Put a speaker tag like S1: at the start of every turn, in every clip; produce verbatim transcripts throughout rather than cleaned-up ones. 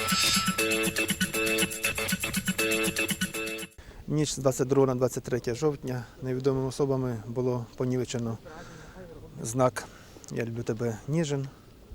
S1: Ніч з двадцять другого на двадцять третє жовтня невідомими особами було понівечено знак «Я люблю тебе, Ніжин».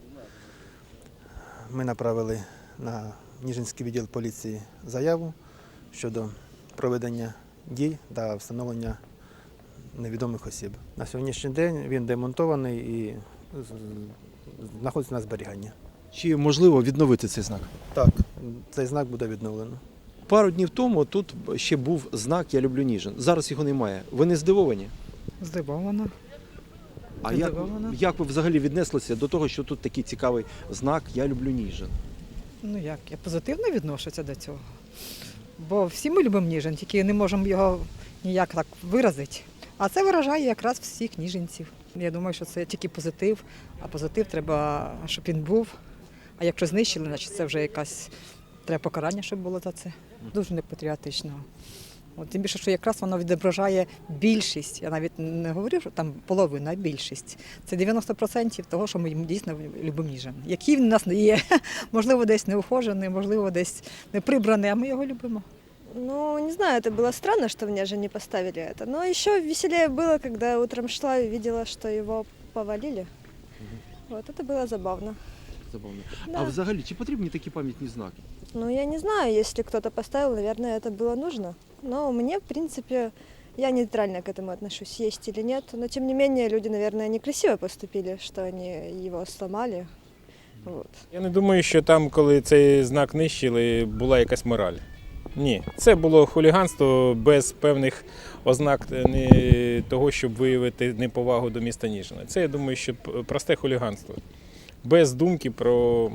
S1: Ми направили на Ніжинський відділ поліції заяву щодо проведення дій та встановлення невідомих осіб. На сьогоднішній день він демонтований і знаходиться на зберіганні.
S2: Чи можливо відновити цей знак?
S1: Так, цей знак буде відновлено.
S2: Пару днів тому тут ще був знак «Я люблю Ніжин». Зараз його немає. Ви не здивовані?
S3: Здивована.
S2: А як,
S3: Здивована.
S2: як ви взагалі віднеслися до того, що тут такий цікавий знак «Я люблю Ніжин»?
S3: Ну як, я позитивно відношуся до цього. Бо всі ми любимо Ніжин, тільки не можемо його ніяк так виразити. А це виражає якраз всіх ніжинців. Я думаю, що це тільки позитив, а позитив треба, щоб він був. А якщо знищили, значить це вже якась треба покарання, щоб було за це. Дуже непатріотично. От, тим більше, що якраз воно відображає більшість. Я навіть не говорю, що там половина, а більшість. Це дев'яносто відсотків того, що ми дійсно любимо Ніжин. Який він у нас не є. Можливо, десь неухожений, можливо, десь не прибраний, а ми його любимо.
S4: Ну, не знаю, это было странно, что мне же не поставили это. Но еще веселее было, когда утром шла и видела, что его повалили. Вот, это было забавно.
S2: Забавно.
S4: Да.
S2: А взагалі, чи потрібні такі пам'ятні знаки?
S4: Ну, я не знаю, если кто-то поставил, наверное, это было нужно. Но мне, в принципе, я нейтрально к этому отношусь, есть или нет. Но, тем не менее, люди, наверное, некрасиво поступили, что они его сломали. Вот.
S5: Я не думаю, що там, коли цей знак нищили, була якась мораль. Ні, це було хуліганство без певних ознак не того, щоб виявити неповагу до міста Ніжина. Це, я думаю, що просте хуліганство. Без думки про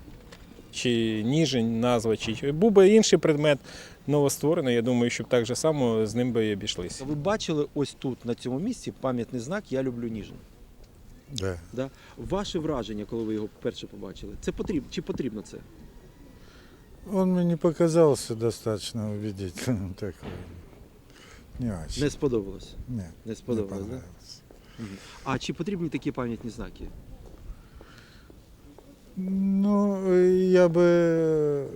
S5: чи Ніжин, назва, чи був би інший предмет новостворений, я думаю, що так же само з ним би і обійшлися.
S2: Ви бачили ось тут, на цьому місці, пам'ятний знак «Я люблю Ніжин».
S6: Да.
S2: Да? Ваше враження, коли ви його вперше побачили, це потрібно, чи потрібно це?
S6: Он мне не показался достаточно убедительным такой. Не очень.
S2: Не сподобалось?
S6: Нет,
S2: Не
S6: не
S2: сподобалось, да?
S6: понравился.
S2: Мгм. А чи потрібні такі пам'ятні знаки?
S6: Ну, я бы э,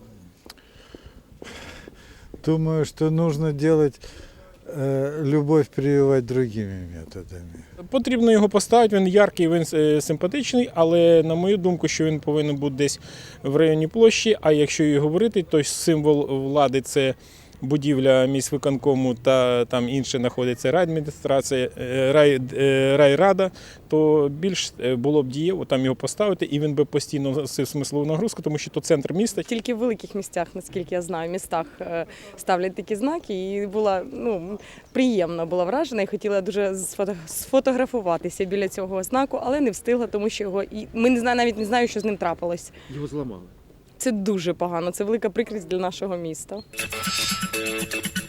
S6: думаю, что нужно делать, э, любовь прививать другими методами.
S5: Потрібно його поставити, він яркий, він е, симпатичний, але на мою думку, що він повинен бути десь в районі площі, а якщо і говорити, то символ влади – це будівля міськвиконкому та там інше знаходиться райадміністрація, е, рай, е, райрада, то більш е, було б дієво там його поставити, і він би постійно носив смислову нагрузку, тому що то центр міста.
S7: Тільки в великих місцях, наскільки я знаю, містах е, ставлять такі знаки, і була ну, приємно була вражена і хотіла дуже сфото- сфотографуватися біля цього знаку, але не встигла, тому що його і ми не знаю, навіть не знаю, що з ним трапилось.
S2: Його зламали.
S7: Це дуже погано, це велика прикрість для нашого міста.